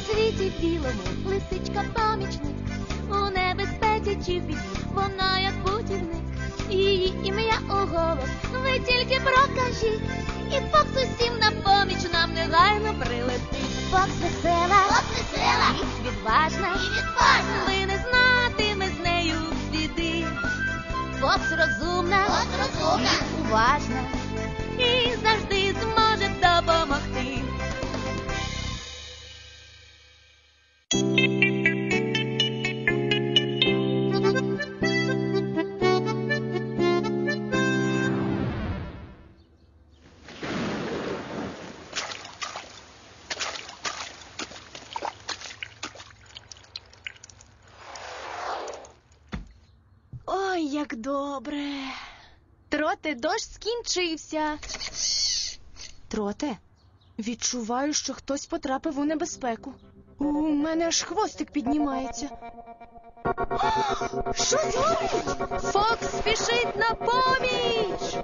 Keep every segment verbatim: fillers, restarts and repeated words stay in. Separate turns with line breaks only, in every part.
світі білому лисичка помічник, у небезпеці чи в біді вона як путівник. Її ім'я у голос ви тільки прокажіть, і Фокс усім на поміч нам негайно прилетить. Фокс весела, Фокс весела, і відважна, і відважна, ви не знатиме з нею біди. Фокс розумна, Фокс розумна, і уважна, і завжди зможе допомогти.
Ой, як добре. Троте, дощ скінчився. Троте, відчуваю, що хтось потрапив у небезпеку. У мене аж хвостик піднімається. Що зробить? Фокс спішить на поміч!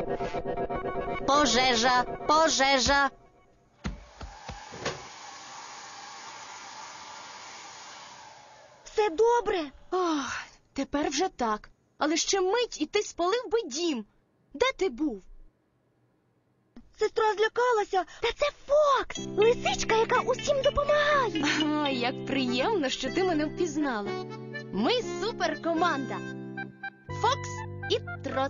Пожежа, пожежа.
Все добре? Ох, тепер вже так. Але ще мить, і ти спалив би дім. Де ти був?
Сестра злякалася. Та це Фокс, лисичка, яка усім допомагає.
Ой, як приємно, що ти мене впізнала. Ми суперкоманда. Фокс і Трот.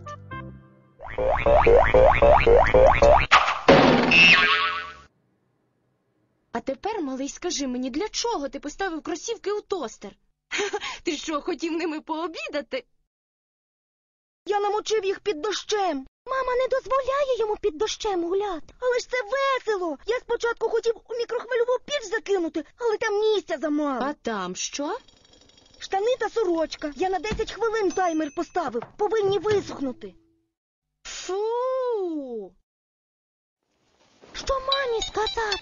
А тепер, малий, скажи мені, для чого ти поставив кросівки у тостер? Ти що, хотів ними пообідати?
Я намочив їх під дощем. Мама не дозволяє йому під дощем гуляти. Але ж це весело. Я спочатку хотів у мікрохвильову піч закинути, але там місця замало.
А там що?
Штани та сорочка. Я на десять хвилин таймер поставив. Повинні висохнути.
Фу!
Що мамі сказати?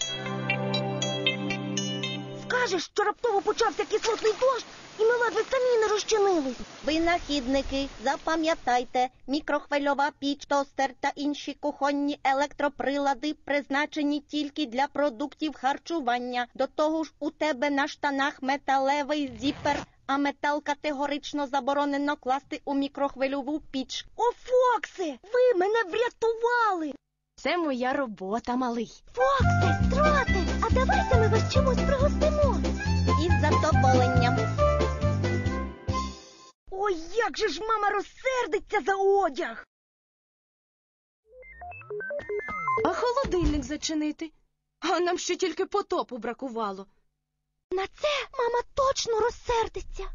Скажеш, що раптово почався кислотний дощ, і ми ледве самі не розчинились.
Винахідники, запам'ятайте, мікрохвильова піч, тостер та інші кухонні електроприлади призначені тільки для продуктів харчування. До того ж, у тебе на штанах металевий зіпер, а метал категорично заборонено класти у мікрохвильову піч.
О, Фоксе, ви мене врятували!
Це моя робота, малий.
Фоксе, Троте, а давайте ми вас чимось пригостимо.
Із задоволенням.
Ой, як же ж мама розсердиться за одяг!
А холодильник зачинити? А нам ще тільки потопу бракувало.
На це мама точно розсердиться.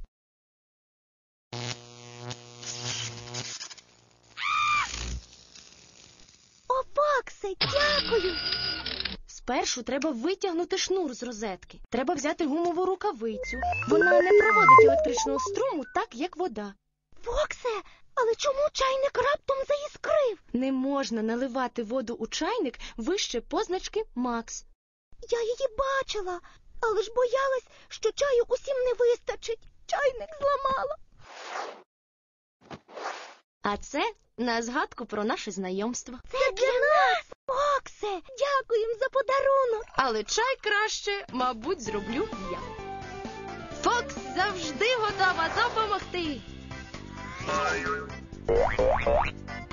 О, Фоксе, дякую!
Спершу треба витягнути шнур з розетки. Треба взяти гумову рукавицю. Вона не проводить електричного струму так, як вода.
Фоксе, але чому чайник раптом заіскрив?
Не можна наливати воду у чайник вище позначки «Макс».
Я її бачила, але ж боялась, що чаю усім не вистачить. Чайник зламала.
А це на згадку про наше знайомство.
Це для нас! Фоксе, дякуємо за подарунок.
Але чай краще, мабуть, зроблю я. Фокс завжди готова допомогти.